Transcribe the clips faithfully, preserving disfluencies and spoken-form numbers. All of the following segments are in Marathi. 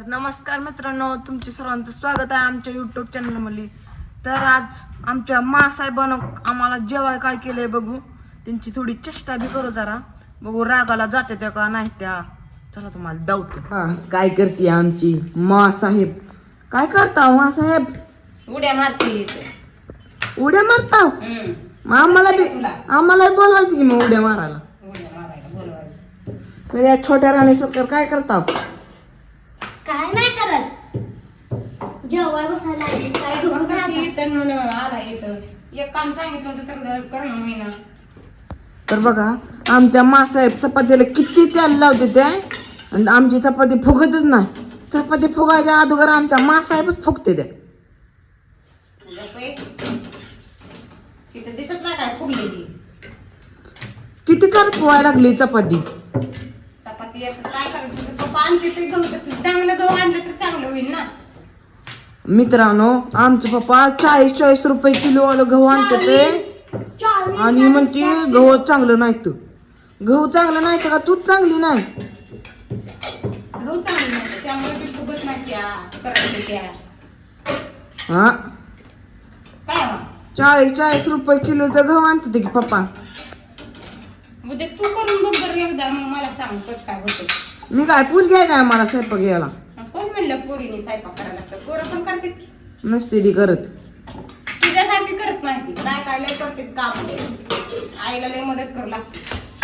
नमस्कार मित्रांनो, तुमचे सर्वांचं स्वागत आहे आमच्या युट्यूब चॅनलमध्ये. तर आज आमच्या मासाहेबानं आम्हाला जेवाय काय केलंय बघू, त्यांची थोडी चेष्टा बी करू, जरा बघू रागाला जाते त्या का नाही त्या. चला तुम्हाला डाऊट. हा, काय करते आमची मासाहेब? काय करता मासाहेब? उड्या मारते. उड्या मारता? मग आम्हाला बी आम्हाला बोलवायचं की मग उड्या मारायला. उड्या मारायला बोलवायचं. तर या छोट्या राणी सरकार काय करता? काय नाही करत, जेवाय बसायला लागली. काय मग करून करते राहता? इथं म्हणून आला इथं. एक काम सांगितलं होतं तर करणं होईना. तर बघा आमच्या मासाहेब चपातीला किती तेल लावते ते, आणि आमची चपाती फुगतच नाही. चपाती फुगायच्या अगोदर आमच्या मासाहेबच फुगते त्या. तिथं दिसत नाही काय फुगलेली किती कर फुवायला लागली चपाती. चपाती. आता काय करायचं? पप्पा आणते ते गहू कसं चांगलं गहू आणलं तर चांगलं होईल ना. मित्रांनो, आमचे पप्पा चाळीस चाळीस रुपये किलो वालं गहू आणते ते, चाळीस, आणि म्हणते गहू चांगलं नाही. तू गहू चांगलं नाही का? तूच चांगली नाही. गहू चांगलं नाही त्यामुळे ते फुगत नाही. त्या करायचं त्या हा, काय हो? चाळीस चाळीस रुपये किलोचा गहू आणते ते की पप्पा. उद्या तू करून बघ बरं एकदा, मग मला सांग कसं काय होतं. मी काय पूल घ्याय काय मला स्वयंपाक घ्यायला? कोण म्हणलं पोरीने स्वयंपाक करायला लागतं? पोरं पण करते की. नसते ती करत. तुझ्यासारखी करत नाही ती. काय काय लय करते काम. आईला लय मदत करू लागते.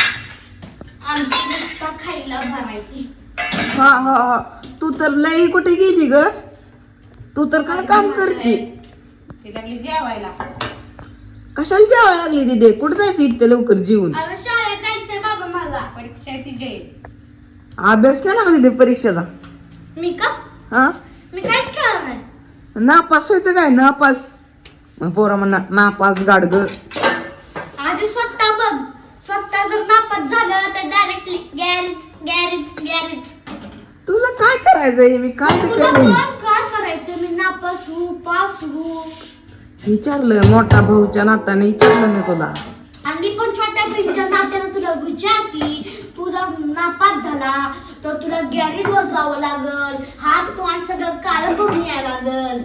आमची नुसता खायला भरायची. हा हा हा, तू तर लई कुठे गेली ग? तू तर काय काम करते? ती लागली जेवायला. कशाला जेवायला लागली तिथे? कुठं जायचं इतक्या लवकर जेवून? आता शाळेत जायचंय बाबा मला. परीक्षा आहे तिची आहे. अभ्यास केला का तिथे परीक्षेचा? मी का हा, मी काहीच केलं नाही. नापास व्हायचं काय? नापास मग पोरा म्हणा नापास गाडग. आधी स्वतः बघ, स्वतः जर नापास झालं तर डायरेक्टली गॅरेज गॅरेज गॅरेज. तुला काय करायचंय? मी काय बी तुला करेन. पण काय करायचं? मी नापास हो पास हो. विचारलं मोठा भाऊच्या नात्याने, विचारलं मी तुला. आणि मी पण छोट्या बहिणीच्या नात्यानं तुला विचारती, तू जर नापास झाला तर तुला गॅरेजवर जावं लागल, हात तोंड सगळं काळं करून यायला लागल.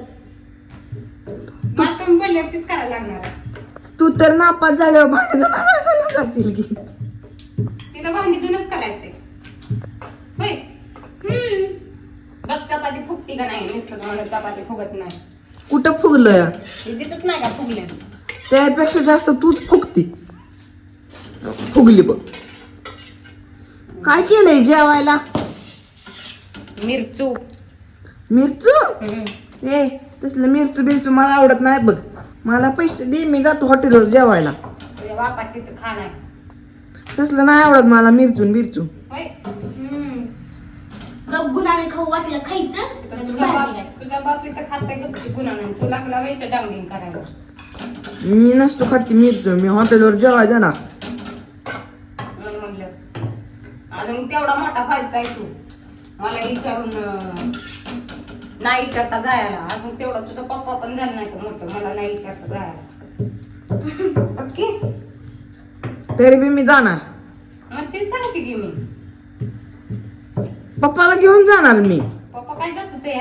मला तुम्ही बोलले तीच करायला लागणार आहे. तू तर नापास झाल्यावर भांडण घालायला जातील की. तिला भांडी जुनच करायचे. होय. हम्म. बघ चपाती फुगती का नाही. नुसतं म्हणून चपाती फुगत नाही. कुठं फुगलं? हे दिसत नाही का फुगले? त्यापेक्षा जास्त तूच फुगती. फुगली बघ. काय केलंय जेवायला? मिरचू. मिरचू? हम्म. ए, तसलं मिरचू बिरचू मला आवडत नाही बघ. मला पैसे दे, मी जातो हॉटेलवर जेवायला. तुझ्या बापाची तर खाण आहे. तसलं नाही आवडत मला मिरचून बिरचू. होय. हम्म. गप गुणाने खाऊ वाटलं खायचं, तर नाहीतर तुझा बाहेर बाप निघायचं. तुझा बाप इथं खात आहे गप्पी गुन्हा. तू लागला वैसे डांगिंग करायला. मी नसतो खाती मिरचू, मी हॉटेलवर जेवायला जाणार. म्हणून म्हणलं अजून तेवढा मोठा व्हायचा आहे तू. मला विचारून अं, नाही विचारता जायला. अजून तेवढा तुझा पप्पा पण झाला नाही का मोठं. मला नाही विचारता जायला. ओके. तरी बी मी जाणार. मग ते सांगते की मी. पप्पाला घेऊन जाणार मी. पप्पा काय जात ते या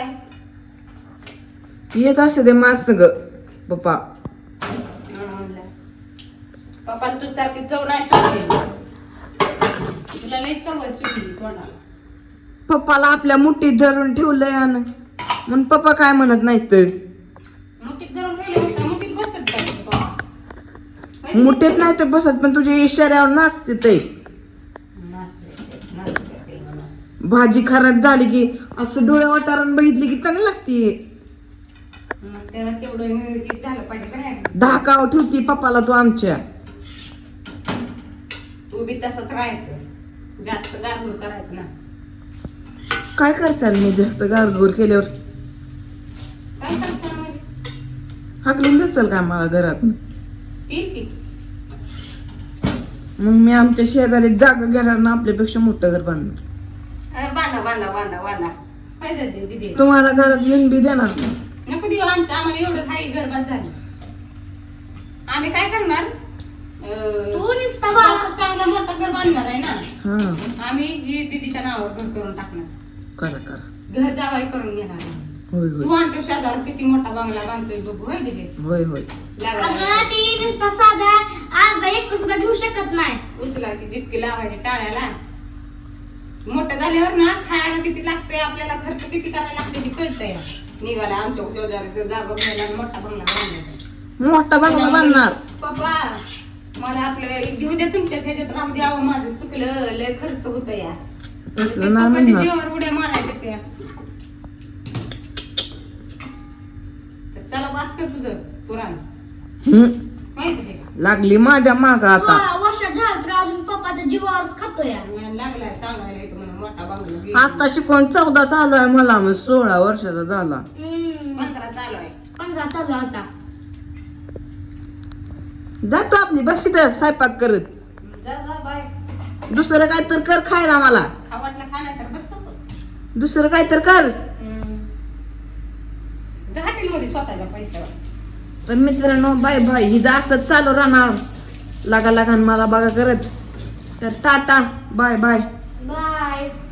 येत असते ते माझ सग पप्पा. म्हणलं पप्पा तू सारखी चव नाही सुटली. तुला लई चव आहे सुटली कोणाला. पप्पाला आपल्या मुठीत धरून ठेवलंय आणि म्हणून पप्पा काय म्हणत नाहीत. तर मुठीत धरून गेले म्हणता मुठीत बसतात काय पप्पा? होय? मुठीत नाही तर बसत, पण तुझ्या इशाऱ्यावर नाचते ते. नाचते, नाचते ते म्हणा. भाजी खराब झाली की असं डोळे वाटारून बघितली की चांगली लागते. मग त्याला तेवढं हे झालं पाहिजे का नाही. धाकाव ठेवती पप्पाला तू आमच्या. तू बी तसंच राहायचं. जास्त गारगुर करायचं ना. काय करचाल मी जास्त गारगोर केल्यावर? काय करता मग? हाकलून जाचाल का मला घरात? ठीक आहे. मग मी आमच्या शेजारी जागा घेणार ना, आपल्यापेक्षा मोठं घर बांधणार. अरे बांधा बांधा बांधा बांधा. पाहिजे ते दिदी. तुम्हाला घरात येऊन बी देणार नाही. नको देऊ आमचं. आम्हाला एवढं काही गरबात झाली. आम्ही काय करणार? अं, तू नुसता बाबा बाबा चांगला मोठा घर बांधणार आहे ना. हा, आम्ही ही दीदीच्या नावावर घर करून टाकणार. करा करा. घर जावाई करून घेणार. होय तू होय आमच्या शेजावर किती मोठा बंगला बांधतोय बघू होय दिले होय होय अगं ती नुसता साधा अर्धा एक सुद्धा घेऊ शकत नाही. उचलाची जिपकी लावायची टाळ्याला. मोठं झाल्यावर ना खायला किती लागतंय आपल्याला खर्च किती करायला लागते ती कळतंय. निघाला आमच्या शेजारी जागा घ्यायला आणि मोठा बंगला बांधायचा. मोठा बंगला बांधणार. पप्पा मला आपलं घेऊ द्या तुमच्या ह्याच्यात राहू द्या अहो, माझं चुकलं लय खर्च होत या तसलं नाही पप्पाच्या म्हणणार. जीवावर उड्या मारायच्या त्या. तर चला वाच कर तुझं पुराण हम्म. माहिती आहे लागली माझ्या माग आता. सोळा वर्ष झालं तर अजून पप्पाच्या जीवावरच खातोय. का लागलाय सांगायला येतो म्हणून मोठा बंगला घे. आता शिकवण चौदा चालू आहे मला मग सोळा वर्षाचा झाला. हम्म. पंधरा चालू आहे. पंधरा चालू आहे आता. जातो आपली बस तर स्वयंपाक करत. जा जा बाय. दुसरं काय तर कर खायला मला. खा वाटलं खा नाही तर बस तसं. दुसरं काय तर कर. जा हॉटेलमध्ये स्वतःच्या पैशावर. तर मित्रांनो बाय बाय ही असंच चालू राहणार लागा लागा मला बघा करत. तर टाटा बाय बाय. बाय.